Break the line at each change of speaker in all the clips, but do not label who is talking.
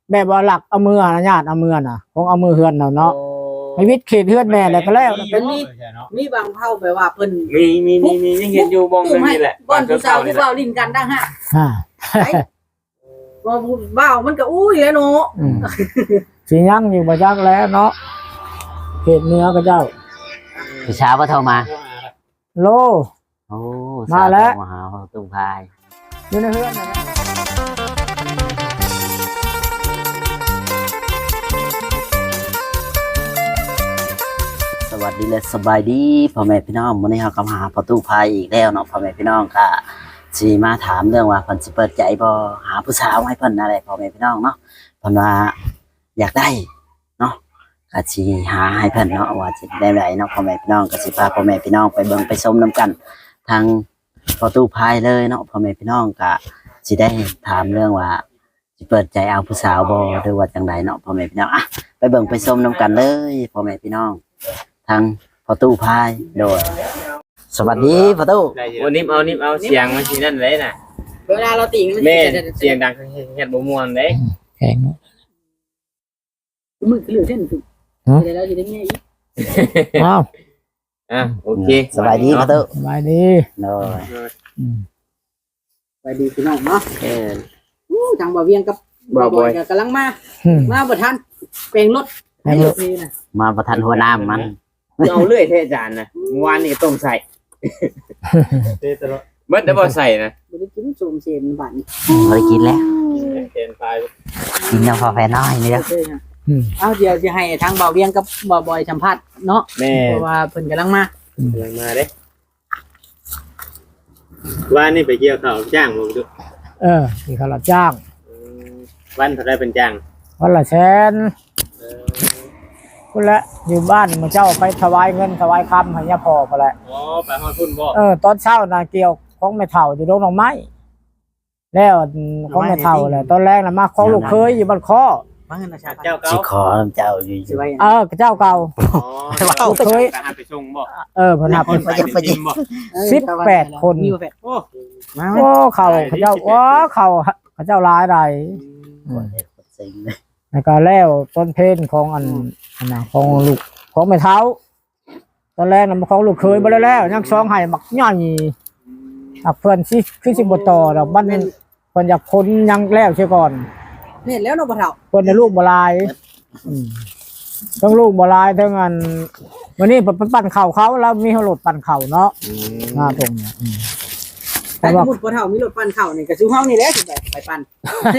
แบบว่าหลักเอามือนะญาติเอามือน่ะของเอามือเฮือนเนาะให้วิทย์เขตเฮือนแม่แล้วก็แล้ว
เป็นมีบางเผ่าแบบว่าเพิ่น
มียังเห็นอยู่บงนึงนี่แหละ
บ่อนผู้สาวผู้เว้าลิ้นกันดังฮะบ่เว้ามันก็อุ้ยแล้วเนาะ
สิยังอยู่บ่จักแล้วเนาะเขตเหนือก็เจ้า
พี่เช้าก็โทรมา
โล
โอ้
มาแล้ว
มาหาตุ้งพาย
อยู่ในเฮือนนะ
สวัสดีและสบายดีพ่อแม่พี่น้องวันนี้เรากำลังหาประตูพายอีกแล้วเนาะพ่อแม่พี่น้องค่ะสิมาถามเรื่องว่าเพิ่นสิเปิดใจบ่หาผู้สาวให้เพิ่นอะไรพ่อแม่พี่น้องเนาะเพิ่นว่าอยากได้เนาะก็สิหาให้เพิ่นเนาะว่าสิได้ไหนเนาะพ่อแม่พี่น้องก็สิพาพ่อแม่พี่น้องไปเบิ่งไปชมนํกันทางประตูพายเลยเนาะพ่อแม่พี่น้องก็สิได้ถามเรื่องว่าสิเปิดใจเอาผู้สาวบ่หรือว่าจังไดเนาะพ่อแม่พี่น้องอ่ะไปเบิ่งไปชมนํกันเลยพ่อแม่พี่น้องทางประตูพายโดยสวัสดีประตู
วันนี้เอาเสียงมาสินั่นเลยน่ะ
เวลาเราติง
แม่เสียงดังเฮ็ดบ่ม่วนเด้
แข็ง
มือเหลือเส้นถูกเดี๋ยวเราสิได้แง่อีก
อ้าว
โอเค
สบายดีประตู
สบายดี
โดย
สบายดีพี่น้องเนาะทางบ่เวียงกับบ่บอยก็กำลังมาบ่ทันเปลงรถให้รถนี่น่ะ
มาประทันหัวน้ำมัน
เอาเลื่อยเทอาจารย์นะเมื่อวานนี่ต้มใส่เบิดได้บ่ใส่นะ
บ่ได้กินโสมเสมบัดนี้
บ่ได้กินแล้ว
เต็มไป
กินแล้วพอแฟน้อยนี่เด้อ
เอาเดี๋ยวจะให้ทางบ่าวเวียงกับบ่บอยสัมภาษณ์เนาะเพราะว่าเพิ่นกำลังมา
เด้ว่านี่ไปเกี่ยวข้าวจ้างบ่ดู
ที่เขารับจ้าง
วันเท่าไรเป็นจ้าง
วันละแสนพุ่นละอยู่บ้านมาเจ้าไปถวายเงินถวายคำให้ย่าพ่อพอแหละ
ไปฮอดพุ่นบ่
ตอนเช้าน่ะเกี่ยวของแม่เฒ่าอยู่โรงหน่อไม้แล้วของแม่เฒ่าแหละตอนแรกน่ะมาของลูกเคยอยู่บ้านคอ
มาเงินนะ
เจ้าเก่า
สิขอเจ้าอยู่
เจ้าเก่าลูกเคย
ไปส่งบ่
เพิ่นหา
ไปจิ้มบ่
18คนโอ้เขาเจ้าเขาเจ้าหลายใดแล้วก็แล้วต้นเพนของอันน่ะของลูกของแม่เฒ่าตอนแรกน่ะของลูกเคยบ่ได้แล้วยังซองให้บักใหญ่เพิ่นสิคือสิบ่ต่อดอกมันเพิ่นอยากพ้นยังแล้วเสียก่อน
เห็นแล้วเนาะบ่เฒ่า
เพิ่นได้ลูกบ่หลายทั้งลูกบ่หลายทั้งอันวันนี้ปั่นข้าวเขาแล้วมีรถปั่นข้าวเนาะตรงนี้
แต่สมมุติบ่เฒ่ามีรถปั่นข้าวนี่ก็สิเฮานี่แหละสิไปปั่น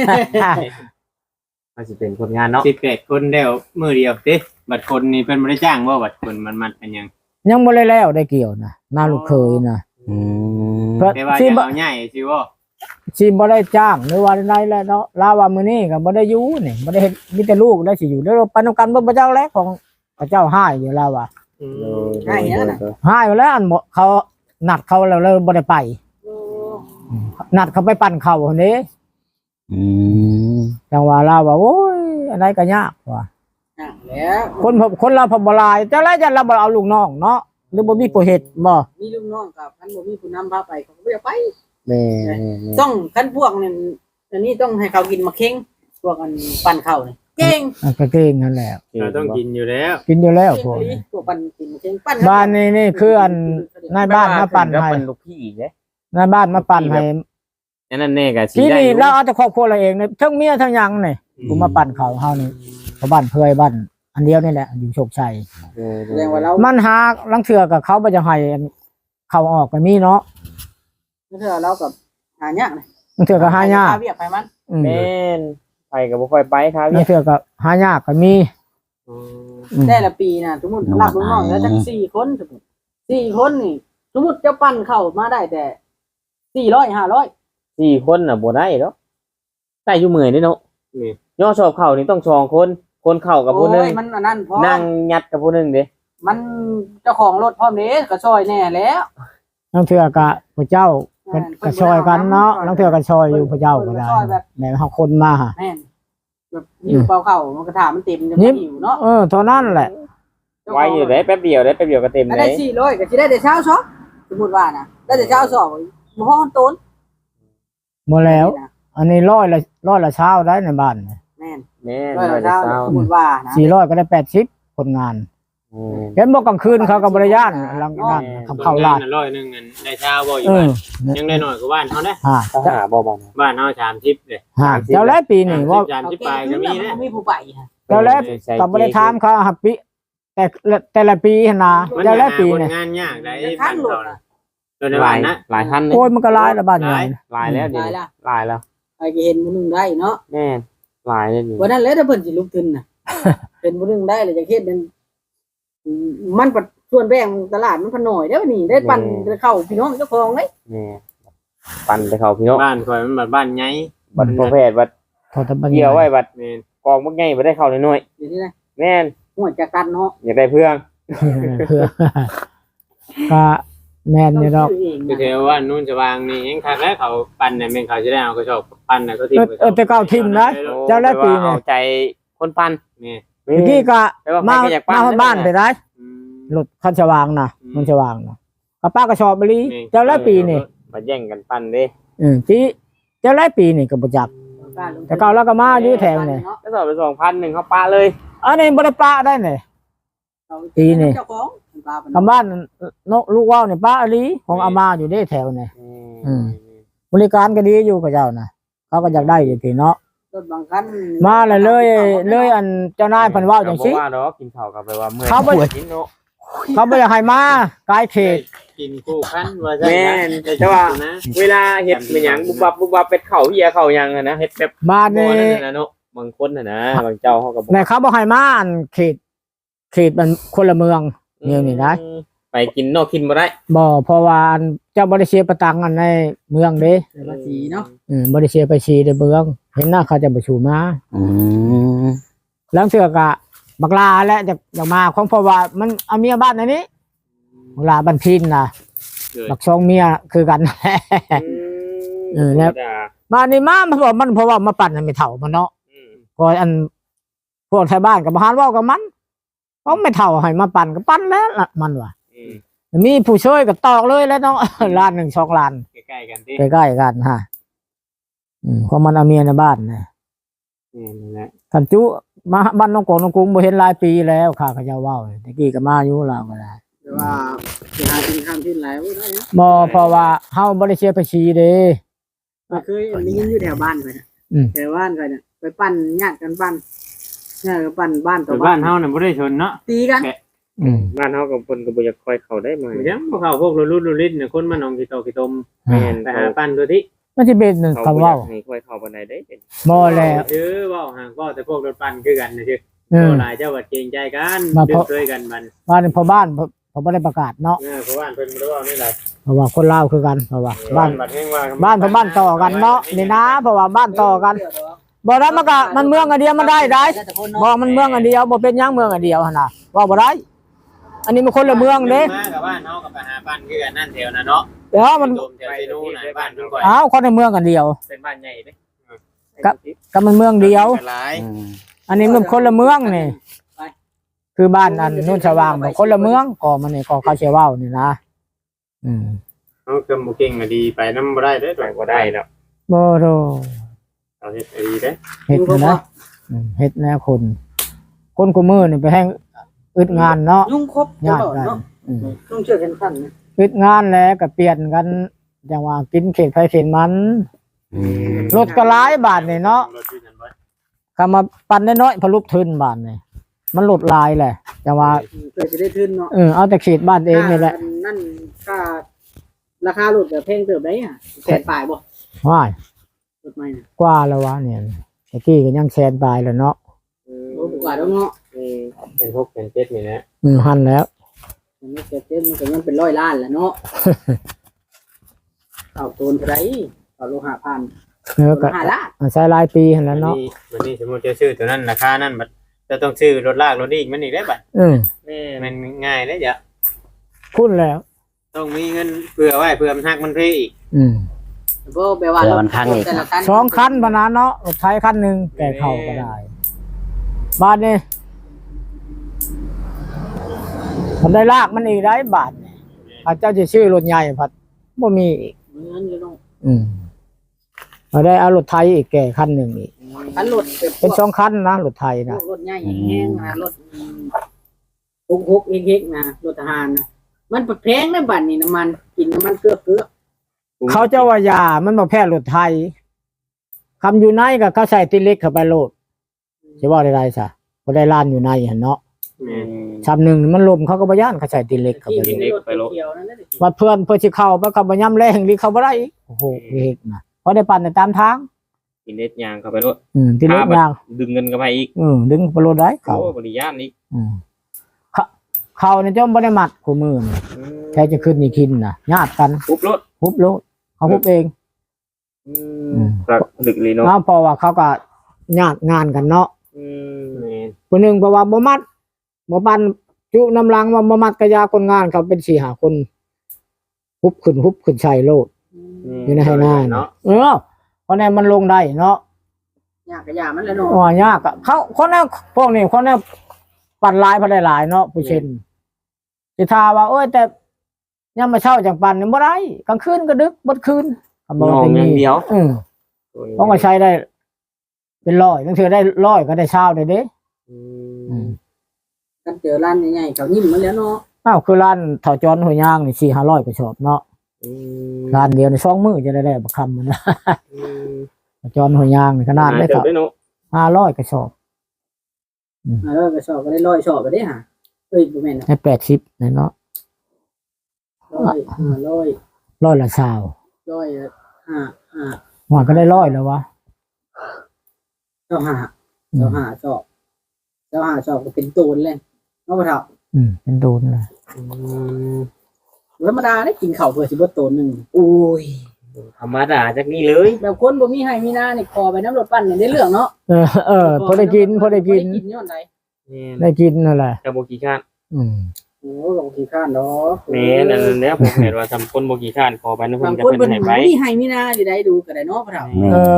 มันสิเป็นคนงานเนาะ18คนแล้วมื้อเดียวติบัดคนนี่เพิ่นบ่ได้จ้างบ่บัดคนมันเป็นหยัง
บ่ได้แล้วได้เกี่ยวนะนาลูกเคยนะ
แต่ว่าจะเอาใหญ่สิบ่
สิบ่ได้จ้างหรือว่าใดแล้วเนาะลาว่ามื้อนี้ก็บ่ได้อยู่นี่บ่ได้เฮ็ดมีแต่ลูกได้สิอยู่แล้วปานกันบ่เจ้าแล้วของพระเจ้าให้อยู่แล้วว่า
ให้หยังน่ะ
ให้แล้วอันเขานัดเขาแล้วบ่ได้ไปนัดเขาไปปั่นข้าวคนนี้จังว่าลาว่าโอ้ยอะไรก็ยากว่า
แล้ว
คนเราพบ่หลายจังได๋จะเราบ่เอาลูกน้องเนาะหรือบ่มีผู้เฮ็ดบ่
มีลูกน้องกับคันบ่มีผู้นำพาไปเขาก็บ่อยากไป
แม่
ต้องคันพวกนี่อันนี้ต้องให้เขากินมะเข็งพวกอันปั่นข้าวนี่เก่ง
ก็เก่งนั่นแหละ
เราต้องกินอยู่แล้ว
พว
กปั่นกินมะเข็งปั่น
บ้านนี่คืออันนายบ้านมาปั่นให้
ลูกพี่อีกเด้
นายบ้านมาปั่นให้
นั่นแน่ก็สิ
ได้ที่นี่เราเอาแต่ครอบครัวเราเองนี่ทั้งเมียทั้งหยังนี่กูมาปั่นข้าวเฮานี่ชาวบ้านเพื่อยบ้านอันเดียวนี่แหละอยู่โชคชัย
แสดงว่าเรา
มันหาลังเถื่อกับเขาบ่จะให้เข้าออกก็มีเนาะ
เถื่อเรากับหายาก
ลังเถื่อก็หายาก
เวียกไปมัน
แม่นไปก็บ่ค่อยไปครับ
ลังเถื่อก็หายากก็มี
แต่ละปีน่ะสมมุติรับลูกน้องแล้วจัก4คนสมมุติ4คนนี่สมมุติจะปั่นเข้ามาได้แต่400 500
4คนน่ะบ่ได้ดอกได้อยู่มื้อนี่เนาะนี่ย่อชอบเข้านี่ต้อง2คนเข้ากับผู้นึง
มันอันนั้นพอ
นั่งยัดกับผู้นึงเด้
มันเจ้าของรถพร้อมเด้ก็ซอยแน่แล้ว
ลังเถื่อก็พระเจ้าก็ซอยกันเนาะลังเถื่อก็ซอยอยู่พระเจ้าก็ได้แม่เฮาคนมา
แม่นแบบอยู่เปล่าเข้ามันก็ถามมันเต็มจังบ่อยู่เนาะ
เท่านั้นแหละ
ไว้อยู่ได้แป๊บเดียวก็เต็มเลย
ได้400ก็สิได้แต่เช้าซอสมมุติว่านะได้แต่เช้าซอบ่พอต้น
บ่แล้วอันนี้100ละเช้าได้ในบ้าน
แม่น
แม่น
ร้อย
ร้อย
ละ
ละ
เช้า
เศร้า
สมมุติว่านะ
400ก็ได้80คนงาน
อืม
เห็นบ่กลางคืนเขาก็บ่ได้ย่านหลังนั้นทำเข้าร้าน
ร้อยหนึงอันได้เช้าบ่อยู่
เอ
บ้า
อน
ยังได้น้อยกว่าบ้านเฮาเด้
ฮะ
ถ้าหาบ่บ่นะ
บ้านเฮา30เด้
ฮะเจ้าแล้วปีนี้ว่า
30ปลายก็มีเด้
มีผู้ไปฮะ
เจ้าแล้วก็บ่ได้ถามเขาหับปีแต่ละปีหั่นน่ะ
มัน
เจ้าแล้วปี
หา
นี่
งานยากได้
ข้า
บ้าง น
หลุด
เขา
อ่ะ
โดยใน
หลา
บ้าย นนะ
หลายพันเลย
โอ้ยมันก็หลายละบ้านใหญ่
หลายแล้วเดี๋ยว
หลาย
นี้
ละ
หลายแล้ว
ไปก็เห็นมื้อนึงได้เนาะ
แม่นหลายแล้วนี่
วันนั้นแหละถ้าเพิ่นสิลุกขึ้นน่ะ เป็นมื้อนึงได้เลยจะเฮ็ดเป็นมันปัดส่วนแบ่งตลาดมันพอน้อยเด้อนี่ได้ปั่นเข้าพี่น้องเจ้าของเด้
แม่ปั่นไปเข้าพี่น้อง
บ้านข่อยมันแบบบ้านใหญ่
บัดประเภทบัด
พอแต่บ้านให
เกี่ยว
ญ่
ไว้บัด
แม่น
กองบักใหญ่บ่ได้เข้าน้อย
เดี๋ยวนี้นะ
ๆแม่น
หัวจักตันเนาะ
อยากได้เพื่อง
เพื่อก็แม่นนี่ดอก
ซื้เอง
คือ
นะ
เทว่านู่นจะวางนี่ยังคักแล้วเขาปั่นน่ะแม่นเขาจะได้เอากระสอบปั่นน่ะก็ทิ้งไว้
แต่เก้าทิมนะ เจ้าแล้วปีนี่
เอาใจคนปั่น
นี่
เมื่อกี้ก็
แต่ว่า
มา
ใครก็อยากปั่น
มาบ้านไปได้
อืม
รถคันสว่างนะ
อืม
มันสว่างนะกับป้าก็ชอบบรี
นี่
เจ้าแล้วปีนี่
มาแย่งกันปั่นเด้
ที่เจ้าแล้วปีนี่ก็บ่จัก แต่เก่าแล้วก็มาอยู่แถวนี่
ก็สอบไป2,000นึงเขาปะเลย
อันนี้บ่ได้ป้าได้นี่ ปีนี่
เจ้าของปลาเป็น
คำบ้านนกลูกว่าวนี่ป้าอลีของอามาอยู่ได้แถวนี่ อืม บริการก็ดีอยู่กับเจ้านะเขาก็อยากได้อยู่ที่เนาะ
รถบางคัน
มาเลยอันเจ้านายเพิ่นเว้าจังซี่
ว่าดอกกินข้าวกับไปว่าเมื่อย
เขาบ่
กินเนาะ
เขาบ่อยากให้มากายเขต
กินคู่คันว่า
แม่นแต่ว่า เวลาเฮ็ดเป็นหยังบุบบับเป็ดเข่าเหี้ยเข่าหยังอะนะเฮ็ดแบบ
บ้าน
บ่
นี่
นั่นน่ะเนาะบางคนน่ะนะบางเจ้าเขาก็บ่
แต่เขาบ่ให้มาอันเขตมันคนละเมืองเนี่ยนี่นะ
ไปกินนอกกินบ่ได้
บ่เพราะว่าอันเจ้าบ่ได้เสียประตังอันในเมืองเด้
เดี๋ยวภาษีเนาะ
บ่ได้เสียไปชีในเมือง เห็นหน้าเขาจะบ่ชูมา
อืม
แล้วเสือกะบักลาและจะมาของเพราะว่ามันเอาเมียบ้านในนี้บักลาบ้านพินน่ะบักสองเมียคือกัน เออแล้ว มานี่มาเพราะว่ามาปั่นให้ไม่เฒ่ามันเนาะก็อันพวกไทยบ้านก็บ่หานเว้ากับมันเพราะไม่เฒ่าให้มาปั่นก็ปั่นแล้วล่ะมันว่ามีผู้ช่วยก็ตอกเลยแล้วเนาะ ล้าน1 2ล้าน
ใกล้ๆกันที่
ใกล้ๆกันฮะเพราะมันเอาเมียในบ้านนะ
นี่แหละ
ท่านจุมาบ้านน้องกงน้องกรุงบ่เห็นหลายปีแล้วข้าก็จะเว้าตะกี้ก็มาอยู่ลาวก็ได้
แต่ว่าสิหากินข้ามที่หลายบ่ได้นะ
บ่เพราะว่าเฮาบ่ได้เสียภาษีเด้
เคยได้ยินอยู่แถวบ้านไปนะ
อืม
แถวบ้านไปเนี่ยไปปั่นญาติกันปั่นญาติกันปั่นบ้านต่อ
แต่
บ้า
บ้าน นเฮาน่ะบ่ได้ชนเนาะ
ตีกัน
บ้านเฮากับเพิ่นก็บ่อยากค่อยเข้าได้มา
บ่ยังบ่เข้าพวกรุ่นเนี่ยคนมาหนองกี่โตกี่ตม
แม่น
ไปหาปั้นตัวที่
มันสิเป็น
เขา
คำ
บ่อยา
เว้าก
ให้ค่อยเข้าปานใดได้เป็น
บ่แล้ว
ชื่อเว้าห่างก็แต่พวกรถปั้นคือกันนะชื่อ
เออ
หลายเจ้าว่าเกรงใจกัน
มา
ดึ
เพ
ง
ราะ
ช่วยกันมัน
บ้านพ่อบ้านเขาบ่ได้ประกาศเนาะ
เพราะว่าเพิ่นบ่ได้เว้านี่แหละ
เพราะว่าคนลาวคือกันเพราะว่าบ้าน
บัดแห่งว่า
บ้านพ่อบ้านต่อกันเนาะนี่นะเพราะว่าบ้านต่อกันบ่ได้มันก็มันเมืองอันเดียวมันได้บ่มันเมืองอันเดียวบ่เป็นหยังเมืองอันเดียวหั่นน่ะว่าบ่ได้ อันนี้มันคนละเมืองเด้
มากับบ้านเฮากับไปหาปั้นคือกันนั่นแถวน่ะเนาะ
เดี๋ยวมัน
โดมแถวซีนูน่ะบ้านเพิ่นก่อย
อ้าวคนในเมืองอันเดียว
เป็นบ้านใหญ่เด้
ก็มันเมืองเดียว
หลาย
อืม
อันนี้มันคนละเมืองนี่คือบ้านอันนู่นสว่างมันคนละเมืองก็มันนี่ก็เขาเชื่อว่านี่นะ
เฮาก็บ่เก่งก็ดีไปนำบ่ได้เด้อ
ไปบ่ได้แล้ว
บ่โด
เอาเฮ็ดให้ดีเด้อ
เฮ็ดนะเฮ็ดแนวคนกูมือนี่ไปแห้งอึดงานเนาะ
ยุ่งครบต
ยาก
ลอด
ได้
เนาะต้องเชื่อกันขั้นนะ
อึดงานแล้วก็เปลี่ยนกันจังว่ากินเขตไผเขตมัน
อืม
รถก็หลายบาทนี่เนาะ
รถอยู่นั่นบ่
คำมาปั่นน้อยๆพอลุกทึนบาทนี่มันลดลายแหละจังว่า
เพื่อจะได้ทุนเนาะ
เอาแต่เขตบ้านเองนี่แหละ
นั่นก็ราคาหลุดแบบเพลงเติบได้อ่ะแสนปลายบ่
ว้าย
รถใหม่น่ะ
กว่าแล้ววะเนี่ยตะกี้ก็ยังแซนปลายแล้วเนาะ
โอ้บ่กว่าแล้วเนาะ
เป็น6เป็น7นี่นะ
หันแล้ว
มันไม่เกิดมันก็มันเป็น100 ล้านแหละเนาะ เอาโตนเท่าไหร่เอาโลหะพัน
ก็
5 ล้าน
ใช้หลายปีหันแล้วเนาะ
วันนี้สมมุติจะซื้อตัวนั้นราคานั้นบัดจะต้องซื้อรถลากรถอีกมันอีกได้บัด
แม่
มันง่ายเด้จ้ะ
พูดแล้ว
ต้องมีเงินเผื่อไว้เผื่อมันหักมันเพอีก
บ่แปลว่าแต่ละคัน
2 คันบานาเนาะรถไถคันหนึ่งแก่เข้าก็ได้บาทนี่มันได้ลากมันอีกได้บาทนี่พระเจ้าจะชื่อรถใหญ่พัดบ่มีอีก
เงินอยู่เนาะ
อืมมาได้เอารถไทยอีกแก่คันหนึ่งอีก
คันรถแบบ
เป็น2คันนะรถไทยนะ
รถใหญ่แห้งนะรถฮกเฮกๆนะรถทหารนะมันแพงนะบัดนี้น้ำมันกินน้ำมันเกลือ
เขาเจ้าว่ายามันมาแพร่รถไทยคำอยู่ในก็เขาใส่ติเล็กเข้าไปโลดจะว่าได้ซะบ่ได้ล้านอยู่ในหั่นเนาะ
แม่น
ชำหนึ่งมันลมเขาก็บ่ย่านเขาใส่ติเล็กเข้า
ที่
ไป
มี
โลด
รถเขียวนั่นแหละ
ว่าเพื่อนสิเข้าไปก็บ่ย่ำแรงหรือเข้าบ่ได้อีกโอ้โหเฮ็ดนะเพราะได้ปั่นได้ตามทาง
กินเล็ดยางเข้าไปรถ
ติเล็กยาง
ดึงเงินกันไปอีก
ดึงไปโลดได้เขา
โอ้บริยานอีก
เขาเนี่ยจ้าบ่ได้มัดคู่มือนี่แค่จะขึ้นนี่กินน่ะญาติกัน
ปุ๊บรถ
ฮุบโลดเขาฮุบเอง
ครับดึกเลยเนาะ
เพราะว่าเขาก็ญาติงานกันเนาะ
แม่น
คนหนึงเพราะว่าบ่มัดบ่ปันจุน้ำลังว่าบ่มัดกระยาคนงานเขาเป็น4-5คนฮุบขึ้นใส่โลดอยู่ในให้หน้าเนาะเพราะนั้นมันลงได้เนาะ
ยากกะยามันแล้วเนาะ
อ๋อยากอะเขาคนนั้นพวกนี้คนนั้นปั่นหลายพอได้หลายเนาะผู้เช่นสิทาว่าโอ้ยแต่ยามมาเช้าจังปั่นนี่บ่ได้กลางคืนก็ดึกบ่คืน
มองอย่างเดียว
เพราะว่าใช้ได้ เป็นร้อยบางทีได้ร้อยก็ได้เช้าได้เด้
กันเจอร้านใหญ่ๆเขายิ้มมาแล้วเนาะ
อ้าวคือร้านเถาจอนหัวย่างนี่4-500ก็ชอบเนาะร้านเดียวใน2มื้อจะได้บักคำมันนะเถาจอนหัวย่างนี่ขนาดได้
เติ
เถา
บได้เนาะ
500ก็ชอบ
แล้วก็ชอบก็ได้100ชอบก็ได้หาเอ้ยบ่แม่น
ได้80เนาะ
100
ร้อยละ20
100
ว่าก็ได้100แล้ววะ
25ชอบก็เป็นตูนเลยเนาะบ่เฒ่า
เป็นโดนเลย
ธรรมดาได้กินข้าวเพื่อสิบ่ตูนนึง
อุ้ยธรรมดาจากนี้เลย
แบบคนบ่มีให้มีหน้านี่คอไปน้ำรถปั่นนี่ได้เรื่องเนาะ
พอได้กิน
ย้อนใด
ได้กินนั่นแหละ
จะโบกี้ข้าน
โอ้ลงขี้ข้านดอก
แม่นั่นเนี่ยผมเห็นว่าทำคนโบกี้ข้านขอไปนะผม
บาง
จะ
คน
เป็น
เพิ่น
ไหนไป
มีให้มีหน้าสิได้ดูก็ได้เนาะพ่อเฒ่า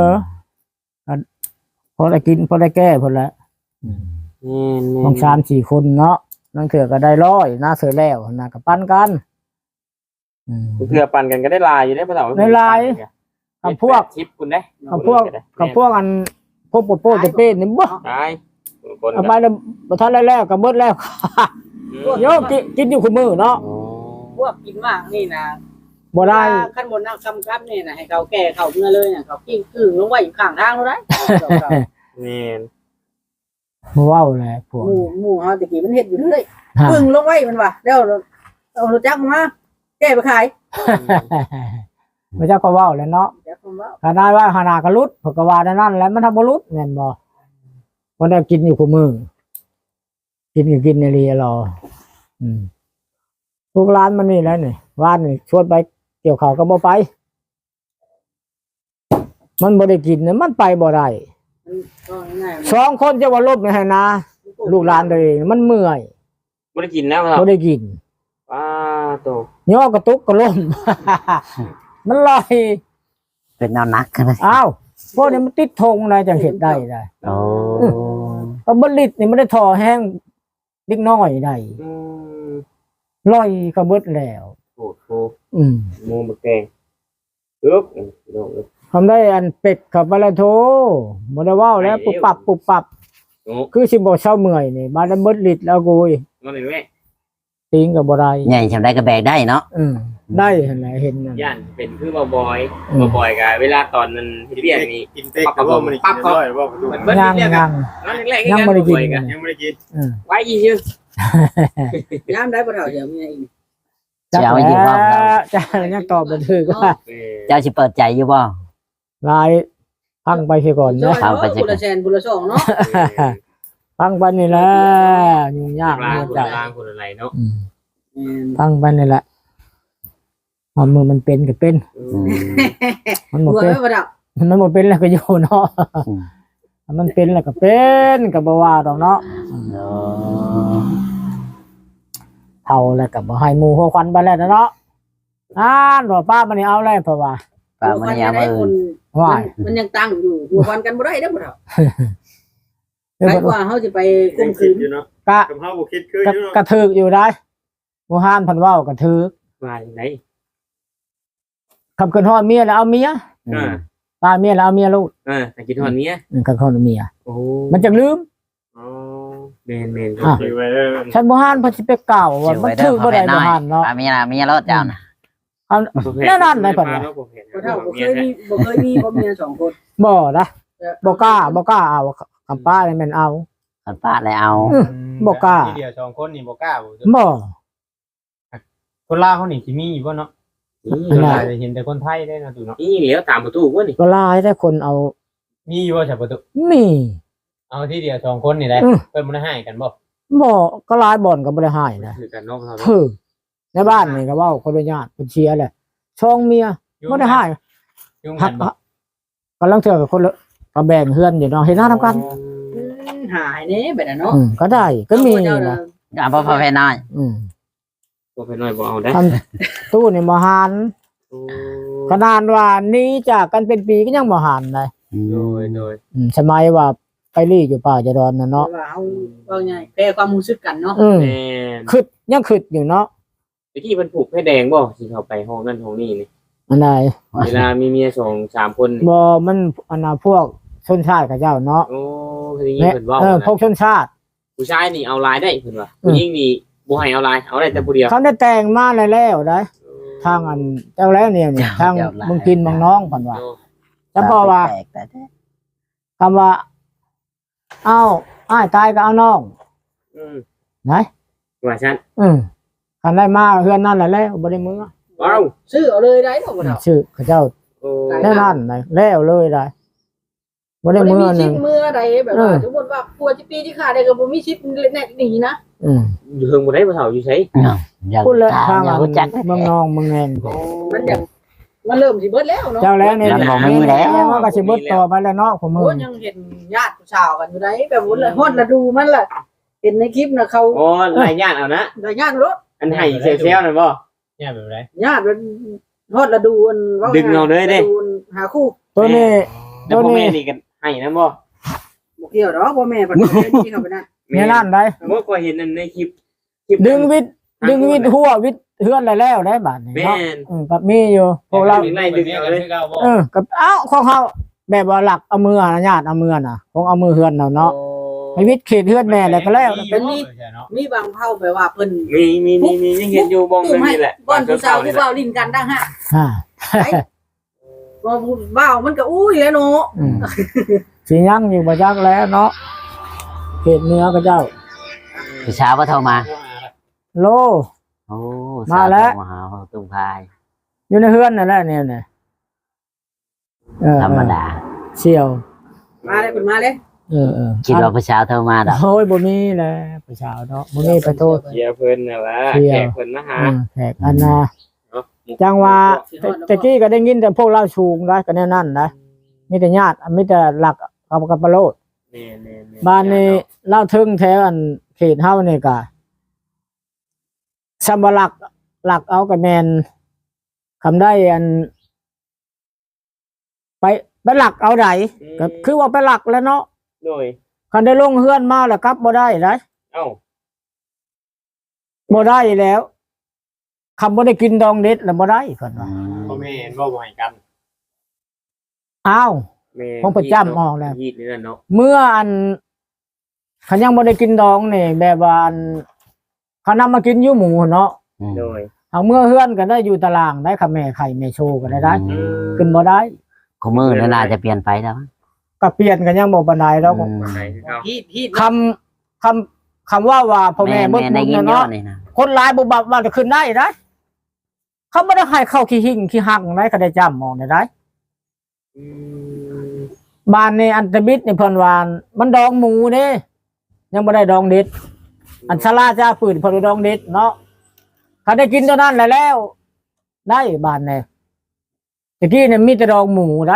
พอได้กินพอได้แก้พอละของ3-4คนเนาะนั่นเถื่อก็ได้100น่าเสือแล้วน่ากับปั้นกัน
เพื่อปั่นกันก็ได้ลายอยู่ได้ภาษา
กับพวก
ชิปคุณได้
กับพวกอันพวกโป๊ะเป้นี่บ่
ตายคน
เอาไปแล้วบ่ทันแล้วก็เบิดแล้วโยกินอยู่คู่มือเนาะ
พวกกินมากนี่นะ
บ่ได้
ขั้นบนนั่งคำนี่นะให้เขาแก่เขาเมื่อเลยเนี่ยเขากิ้งกึ่งลงไว้อยู่ข้างทางแล้วได้
นี่
บ่เว้าแหละพวก
หมู่เฮาตะกี้มันเฮ็ดอยู่เรื่อยกึ่งลงไว้มันว่ะแล้วเอารถจักรมาแก้ไปขาย
บ่จักก็เว้าแหล้วเนาะ
จักผมว่า
ขนาดว่าหาหน้าก็ลุดเพราะก็ว่านั่นแหละมันทำบ่ลุดแม่นบ่บ่ได้กินอยู่คู่มือกินก็กินในรีรอพวกร้านมันนี่แหล้วนี่ว่านนี่ชวนไปเกี่ยวข้าวก็บ่ไปมันบ่ได้กินนะมันไปบ่ได้
มันก็ง่าย
สองคนจะว่าลบในให้นาลูกหลานตัวเองมันเมื่อย
ไม่ได้กินแล้วครับ
บ่ได้กิน
ว้าโต
ย่อกระตุกกระล่ม มันลอย
เป็นแนวนักกันเลย
อ้าวพวกนี้มันติดธงอะไรจังเฮ็ดได้
โอ้
ก็บ่ลิดนี่มันได้ท่อแห้งเล็กน้อยได้ลอยก็เบิดแล้ว
โอ้โห มูบักแดงอึ๊บ
ทำได้อันเป็ดขับมาแล้วโทบ่ได้เว้าแล้วปุบปับ
โอ้
คือสิบ่เช้าเมื่อยนี่มาได้เบิดลิดแล้วกูย
มันเป็นแม่
ติงก็บ่ได้
ใหญ่ทำได้ก็แบกได้เนาะ
ได้หั่นแหละเห็นนั่น
ย่านเป็นคือบ่บอยกับเวลาตอนนั้นที่เรียกนี่
กินเต็กกับว่ามันกินร้อยว่าดู
มันเบิ้ล
ยัง
เรียก
ยัง
นั่นแรก
ยังบ่ได้กิน
ยังไม่ได้กิน
ไว้ยี่ชื่อ
ๆยามได้บ่เฒ่าเดี๋ยวมีอะไรอีก
จักแล้วจะยังตอบบ่ถูกว่า
เจ้าสิเปิดใจอยู่บ่
ลายพังไปเสียก่อน
จ้
นะ
อยเนาะบุรแชนบุรสองเนาะ
พังไปนี่แหละยุ่งยาก
ล้าง
หัว
คน
ใจ
ล้างคนอะไรเนาะ
พังไปนี่แหละความมือมันเป็นก็เป็น มันหม
หั
ด
ว
เป็น
ไม่บ่เฒ่า
มันหมดเป็นแล้วก็อยู่เนาะมันเป็นแล้วก็เป็นก็บ่ว่าดอกเนาะเท่าแล้วก็บ่ให้หมู่หัวควันไปแล้วเนาะว่าป้ามันนี่เอาแล้วเพราะว่า
ปลามันยาม
ได้คน
ว่า
มันยังตั้งอยู่หัวควันกันบ่ได้เด้อบ่เฒ่าใครกว่าเฮาสิไปข่มขืน
อยู่เนาะ
กะ
กับเฮาบ่คิดคืออยู่เนาะ
กระถึกอยู่ได้บ่ห้านเพันเว้ากระถึก
มาอย่างไหน
คำเกินฮอดเมียแล้วเอาเมียป้าเมียแล้วเอาเมียลูก
แต่กินทอนเมีย
กันคนเมีย
โอ้
มันจะลืม
อ๋อเมน
อ่ะ
ถือไว้เด้อ
ฉันบ่ฮานเพิ่นสิไปกล่าวว่ามันถือบ่ได้บ่ฮานเนาะ
ป้ามีนะมีรถเจ้านะ
เอาแน่นอนเลยเพิ่นว่า
บ่เท่าบ่เคยมีบ่เมีย2คน
บ่นะบ่กล้าเอาคำป้านี่แม่นเอา
คนป้าเลยเอา
บ่กล้า
ที่เดียว2คนนี่บ่กล้าบ่
บ่
คนลาวเขานี่สิมีอยู่บ่เนาะ
นี่
คนลาวจะเห็นแต่คนไทยได้นะตู่เนาะ
นี่เหลียวตามประตูว่านี่
ก็หลายแต่คนเอา
มีอยู่บ่ใช่ประตู
มี
เอาที่เดียว2คนนี่แหละ
อืม
เพิ่นบ่ได้ให้กันบ่
บ่ก็หลายบ่อนก็บ่ได้ให้นะ
คือกันนอกเขา
ถือในบ้านนี่ก็เว้าคนเป็นญาติเป็นเชียร์แหละช่องเมียบ่ได้ให้
ยุ่ง
หั
กั
ก
นบ่
กำลังเจอกับคนละก็แบ่งเฮือนอยู่เนาะเห็นหน้าทำกัน
หายแน่แบบนั้นเนาะ
ก็ได้ก็มีนะ
เอาพ่อพ่อแม่น้อย
ตัวเป็นน้อยบ่เอาได้
ทำตู้นี่บ่หานขนาดว่านี้จากกันเป็นปีก็ยังบ่หานเลย
โดย
สมัยว่าไปรีอยู่ป่าจะดอนน่ะเนาะ
ว่าเอาไงแปลความรู้สึกกันเนาะ
แม่น
คิดยังคิดอยู่เนาะ
ตะกี้มันผูกให้แดงบ่สิเข้าไปห้องนั่นห้องนี้นี่
อันใด
เวลามีเมีย2-3คนนี่
บ่มันอันน่ะพวกชนชาติกับเจ้าเนาะ
โอ้คืออย่างนี้เพิ่นเว้า
พวกชนชาติ
ผู้ชายนี่เอาลายได้เพิ่นว่าผู้หญิงนี่บ่ให้เอาลายเอาได้แต่ผู้เดียว
เขาได้แต่งมาแล้วได้ทางอันเจ้าแล้วเนี่ยทางมึงกินมึงน้องเพิ่นว่าแต่พอว่า
แปลกแต่
คำว่าเอ้าอ้ายตายก็เอาน้อง
อืม
ไหน
ว่าฉัน
คันได้มาเฮือนนั่นแหละแล้วบ่ได้มือ
ว้าว
ซื้อเอาเลยได้เนาะบ่เท่า
ชื่อเขาเจ้า
โอ้
แน่นั่นเลยแล้วเลยได้บ่ได้
บ่ได้
มื
มี
อห
ชิ
นึ
ป
ง
มือใดแบบว่าสมมุติว่าปัวจิปีที่ขาได้ก็บ่มีชิปแน่นี่นะ
อยู่เฮิงบ่ได้บ่เฒ่าอยู่ไส
อย่า
พูดเลยทาง
อย่ารู้จัก
เมืองนองเมืองแงน
มันอยากมันเริ่มสิเบิดแล้วเนาะ
เจ้าแล้วเนี่ย
ยังบ่มีแล้ว
มันก็สิเบิดต่อไปแล้วเนาะผมมื
โอ้
อ
ยังเห็นญาติผู้สาวกันอยู่ได้แบบว่าฮอดละดูมันล่ะเห็นในคลิปน่ะเขา
โอ้หลายญาติเอานะ
ได้ญาติรถ
อันให้เซลๆนั่นบ่
เนี่ยแบบไร
ญาติมันฮอดละดูอันว่า
ดึงเอาเลยเด้
ฤดูหาคู่
ตัวนี้
แล้วพ่อแม่นี่กันให้นะบ่
บ่เกี่ยวดอกพ่อแม่ปัจจุบันนี้เข้าไปนั่น
เนี่ยนั่นได้
เมื่อก็เห็นในคลิป
ดึงวิทย์หัววิทย์เฮือนแล้วได้บาดนี้
แม่
เนาะ
น
กับมีอยู่พวกเรา
ไล่ดึงเอาเลย
กับเอ้าของเขาแบบว่าหลักเอามือนะญาติเอามือน่ะของเอามือเฮือนเนาะให้วิทย์เขตเฮือนแม่แล้วก็แล้ว
มีบางเผ่าไปว่าเพิ่น
มียังเห็นอยู่บ้องนึงนี่แหละ
บ่อนผู้สาวผู้เว้าลิ้นกันดังฮะ
อ่า
บ่ผู้เว้ามันก็อุ้ยแล้วเนาะ
สิยังอยู่บ่จักแล้วเนาะเขตเหนือก็เจ้า
ผู้สาวก็โทรมา
โล
โอ้
มาแล้ว
สโทรมาหาพ่อตุ้งพาย
อยู่ในเฮือนนั่นแหละเนี่ย
ธรรมดา
เสี่ยว
มาเลยเพิ่นมาเลย
คิดว่าผู้สาวโทรมาดอก
โอ้ยบ่มีแหละผู้ชาวเนาะบ่มีไปโทษ
เสียเพิ่นน่ะล่ะแขกเพิ่นมาหา
แขกอันน่ะจังว่าตะกี้ก็ได้ยินแต่พวกเราชูงได้ก็แน่นั่นนะมีแต่ญาติมีแต่หลักเอากับปะโลด
แม่น
บ้านนี้เล่าถึงแถวอันเขตเฮานี่ก็ซัมบลักหลักเอากับแมนคำได้อัน ไปหลักเอาไดก็คือว่าไปหลักแล้วเนาะ
โดย
คันได้ลงเฮือนมาแล้วครับบ่ได้ได้
เอ้า
บ่ได้แล้วคำบ่ได้กินดองเด็ดแล้วบ่ได้เพิ่นว่า
พ่อแม่เห็นบ่บ่ให้กัน
อ้าว
แม่
ของประจำออกแล้ว
ฮีดนี่เนาะ
เมื่ออันเขายังบ่ได้กินดองนี่แบบว่าอันเขานำมากินอยู่หมูเนาะ
โดย
เอาเมื่อเฮือนก็ได้อยู่ตารางได้ค่ะแม่ไข่แม่โชว์ก็ได้ขึ้นบ่ได้
ขมือนั่นน่าจะเปลี่ยนไปแล้ว
ก็เปลี่ยนกันยังบ่ปานใดแล้ว
ไหนคือเขา
ฮีด
คำว่าพ่อแม่เบิด
ได้
บุญ
ยิน
เนาะ
เนาะนี่นะ
คนหลายบ่บับว่าจะขึ้นได้ได้เขาบ่ได้ให้เข้าขี้หิ่งขี้หักได้ก็ได้จ้ำมองได้ บ้านนี่อันตะบิดนี่เพิ่นว่ามันดองหมูเด้ยังบ่ได้ดองเด็ด อันชะลาจ้าปืนเพิ่นดองเด็ดเนาะเขาได้กินเท่านั้นแหละแล้ว ได้บ้านนี่ตะกี้เนี่ยมีแต่ดองหมูนะ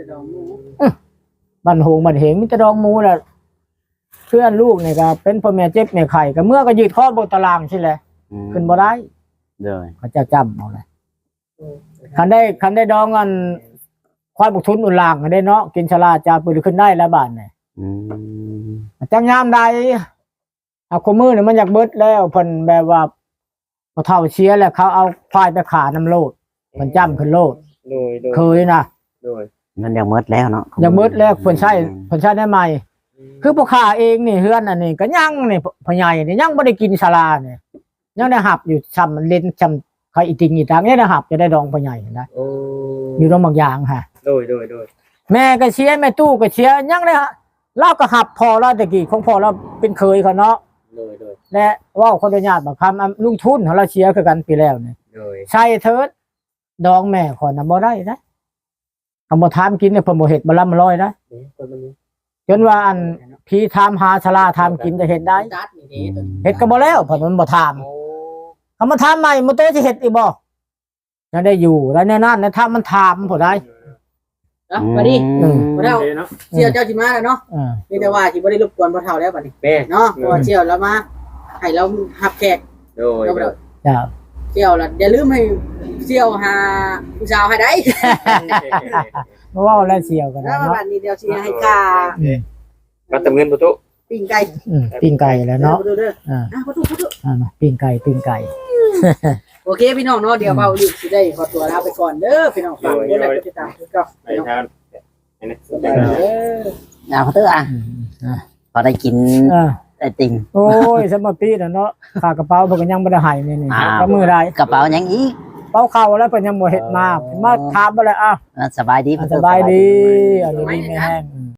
บ้านโหงบ้านเหงมีแต่ดองหมูแหละเพื่อนลูกนี่ก็เป็นพ่อแม่เจ็บแม่ไข่ก็เมื่อก็ยืดข้อบนตารางใช่แหละขึ้นบ่ได้
โดย
เขาจะจำเอาเลยคันได้ดองกัน ควายบุกทุนอุ่นลางก็ได้เนาะกินชลาจาปืนขึ้นได้แล้วบาทเนี่ยจังยามใดเอาขมือเนี่ยมันอยากเบิดแล้วเพิ่นแบบว่าพอเท่าเชียร์แล้วเขาเอาควายไปขาน้ำโลดมันจ้ำขึ้นโลด
โดย
เคยนะ
โดย
มันยังหมดแล้วเนาะ
ยังมืดแล้วเพิ่นใช้ได้ใหม่คือพ่อค้าเองนี่เฮือนอันนี้ก็ยังนี่พ่อใหญ่นี่ยังบ่ได้กินศาลานี่ยังได้หับอยู่ซ้ำเล่นซ้ำใครอีติงอีทางยังได้หับจะได้ดองพ่อใหญ่นะ
โอ้
อยู่ตรงบางอย่างฮะ
โดย
แม่ก็เชียร์แม่ตู้ก็เชียร์ยังได้เราก็หับพอเราตะกี้ของพอเราเป็นเคยเขาเนาะ
โดย
และเว้าขออนุญาตบักคำลุงทุนของเราเชียร์คือกันปีแล้วนี่
โดย
ใช่เถิดดองแม่ขอน่ะบ่ได้นะคำบ่ถามกินเนี่ยเพิ่นบ่เฮ็ดบ่ลำร้อยนะ
คนมันนี้
จนว่าอันพี่ถามหาศาลาถามกินจะเฮ็ดได้
จัดนี่เด้ตัวนี้
เฮ็ดก็บ่แล้วเพิ่นมันบ่ถาม
โอ้
คำมาถามใหม่มันเต้สิเฮ็ดอีกบ่ยังได้อยู่แล้วแน่นอนนะถ้ามันถามผู้ใด
อ่ะมาดิ บ่ได้
เนาะ
เสี่ยวเจ้าสิมาแล้วเนาะ มีแต่ว่าสิบ่ได้รบกวนพ่อเฒ่าแล้วบัดนี้
แม่
เนาะเพราะว่าเสี่ยวแล้วมาให้เรารับแขก
โดย
จ้า
เสี่ยวล่ะอย่าลืมให้เสี่ยวหาผู้สาวให้ได้
เพราะว่าแล้วเสียวกัน
แล้ว
เนาะ
บัดนี้เดี๋ยวสิให้ค่า
ก็ตำเงินประตู
ปิ้งไก่
ปิ้งไก่แล้วเนาะ
เด้อ
อ่า
ประตู
มาปิ้งไก่
โอเคพี่น้องเนาะเดี๋ยวเบาอยู่สิได้ขอตัวลาไปก่อนเด้อพี่น้องฝากกดไลค์กดติดตามคือเก่า
ไปทางอันนี้
เด้อ
เอาเถอะอ่ะพอได้กินไอติม
โอ้ยสมปีน่ะเนาะฝากกระเป๋าเพิ่นก็ยังบ่ได้ให้นี่
อ่า
ก็มือใด
กระเป๋ายังอีก
เป๋าเข้าแล้วเพิ่นยังบ่เฮ็ดมาถามบ่แล้วอ้าว
สบายดี
สบายดีอันนี้มีแม่แห้ง